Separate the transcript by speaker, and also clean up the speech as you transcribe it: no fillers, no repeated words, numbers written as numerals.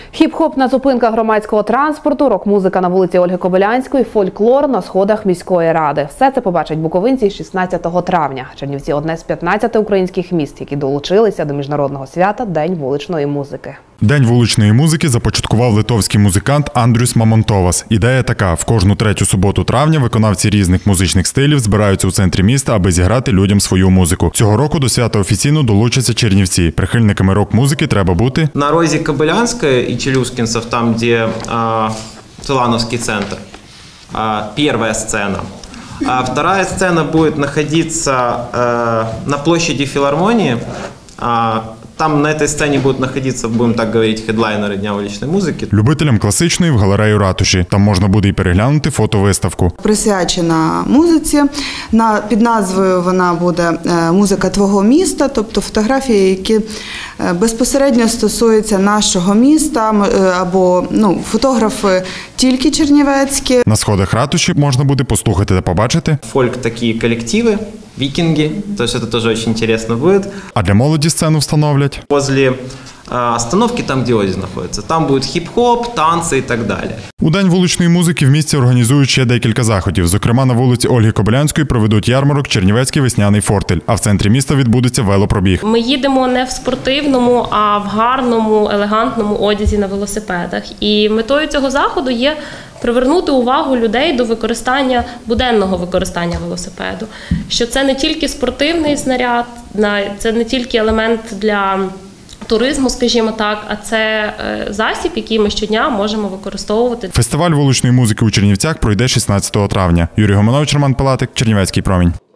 Speaker 1: Хіп-хоп на зупинках громадського транспорту, рок-музика на вулиці Ольги Кобилянської, фольклор на сходах міської ради. Все це побачать буковинці 16 травня. Чернівці – одне з 15 українських міст, які долучилися до міжнародного свята «День вуличної музики».
Speaker 2: День вуличної музики започаткував литовський музикант Андрюс Мамонтовас. Ідея така – в кожну третю суботу травня виконавці різних музичних стилів збираються у центрі міста, аби зіграти людям свою музику. Цього року до свята офіційно долучаться чернівці. Прихильниками рок-музики треба бути
Speaker 3: на розі Кобилянской и Челюскинцев, там, где Целановский центр, первая сцена. А вторая сцена будет находиться на площади Филармонии. Там на этой сцене будут находиться, будем так говорить, хедлайнери Дня вуличної музики.
Speaker 2: Любителям класичної в галерею ратуші. Там можна буде і переглянути фотовиставку.
Speaker 4: Присвячена музиці. Під назвою вона буде «Музика твого міста», тобто фотографії, які безпосередньо стосуються нашого міста, або фотографи тільки чернівецькі.
Speaker 2: На сходах ратуші можна буде послухати та побачити
Speaker 3: фольк такі колективи, викинги, то есть это тоже очень интересно будет.
Speaker 2: А для молоді сцену встановлять
Speaker 3: возле остановки, там, где Оді знаходиться, там буде хіп-хоп, танці і так далі.
Speaker 2: У День вуличної музики в місті організують ще декілька заходів. Зокрема, на вулиці Ольги Кобилянської проведуть ярмарок «Чернівецький весняний фортель», а в центрі міста відбудеться велопробіг.
Speaker 5: Ми їдемо не в спортивному, а в гарному, елегантному одязі на велосипедах. І метою цього заходу є привернути увагу людей до буденного використання велосипеду. Що це не тільки спортивний снаряд, це не тільки елемент для туризму, скажімо так, а це засіб, який ми щодня можемо використовувати.
Speaker 2: Фестиваль вуличної музики у Чернівцях пройде 16 травня. Юрій Гомонович, Роман Пилатик, Чернівецький промінь.